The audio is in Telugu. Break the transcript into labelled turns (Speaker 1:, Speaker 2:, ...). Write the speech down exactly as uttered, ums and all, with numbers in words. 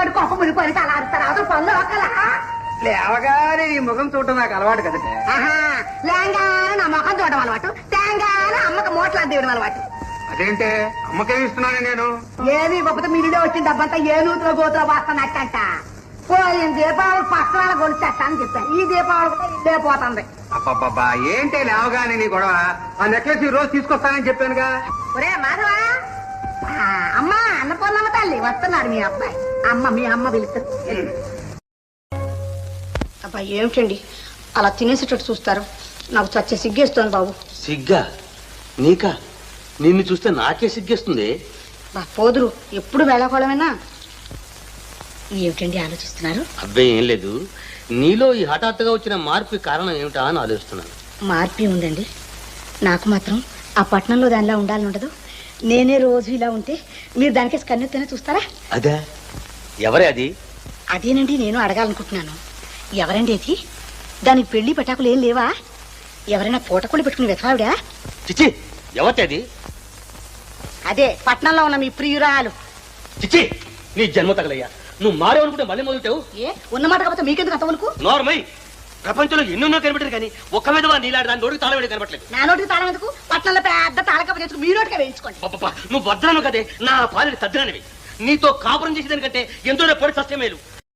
Speaker 1: కడుపు కొప్ప మునిపోయి అలా అరుస్తారు అవతల పనులు ఒకలా
Speaker 2: లేవగానే నీ ముఖం చూడటం నాకు అలవాటు కదండి.
Speaker 1: ఆహా లేంగానే నా ముఖం చూడడం అలవాటు తేంగానే అమ్మకి మూటలు అద్దెవడం అలవాటు.
Speaker 2: అదేంటే అమ్మకేమి ఇస్తున్నాను నేను?
Speaker 1: ఏమి గొప్ప మీరుడే వచ్చిన డబ్బంతా ఏ నూతులో గోతులో వాస్తున్నట్టంట. పోయిన దీపావళి పక్కన గొలుచేస్త అని చెప్పాను. ఈ దీపావళి కూడా ఇదే పోతుంది.
Speaker 2: అబ్బబ్బబ్బా ఏంటే లేవగానే నీ గొడవ? ఆ నెక్లెస్ ఈ రోజు తీసుకొస్తానని చెప్పానుగా.
Speaker 1: ఒరే మాధవా, అమ్మ అన్నపూర్ణమ్మ తల్లి వస్తున్నాడు మీ అబ్బాయి. అమ్మ మీ అమ్మ పిలుస్తారు. అబ్బాయి ఏమిటండి అలా తినేసేటట్టు చూస్తారు? నాకు చచ్చే సిగ్గేస్తోంది బాబు.
Speaker 3: సిగ్గా? నీకా? నిన్ను చూస్తే నాకే సిగ్గేస్తుంది.
Speaker 1: బా పోదురు ఎప్పుడు వేళాకోళమేనా? ఏమిటండి ఆలోచిస్తున్నారు?
Speaker 3: అబ్బాయి ఏం లేదు, నీలో ఈ హఠాత్తుగా వచ్చిన మార్పు కారణం ఏమిటా అని ఆలోచిస్తున్నాను.
Speaker 1: మార్పు ఉందండి. నాకు మాత్రం ఆ పట్టణంలో దానిలా ఉండాలని ఉండదు. నేనే రోజు ఇలా ఉంటే మీరు దానికేసి కన్నెత్తనే చూస్తారా?
Speaker 3: అదే ఎవరే అది?
Speaker 1: అదేనండి నేను అడగాలనుకుంటున్నాను. ఎవరండి అది? దానికి పెళ్లి పటాకులు ఏం లేవా? ఎవరైనా పూటకుళ్ళు పెట్టుకుని వెతవావిడా?
Speaker 3: చిచ్చి ఎవరి అది?
Speaker 1: అదే పట్నంలో ఉన్న మీ ప్రియురాలు.
Speaker 3: చిచ్చి నీ జన్మ తగలయ్యా, నువ్వు మారేవనుకుంటే మళ్ళీ మొదలుతావు.
Speaker 1: ఏ ఉన్నమాట కాకపోతే మీకెందుకు అంతవరకు?
Speaker 3: నోర్మై, ప్రపంచంలో ఎన్నెన్నో కనిపెట్టారు కానీ ఒక్క మీద నీలాడు దాని నోటికి తాళం వేడి కనపట్లేదు.
Speaker 1: నా నోటికి తాళం ఎందుకు? పట్నంలో పెద్ద తాళకప్ప తెచ్చుకు మీ నోటిగా వేయించుకోండి.
Speaker 3: నువ్వు వద్దను కదే, నా పాలని తద్దననివి. నీతో కాపురం చేసేదానికంటే ఎంతో పొడి సస్యమేలు.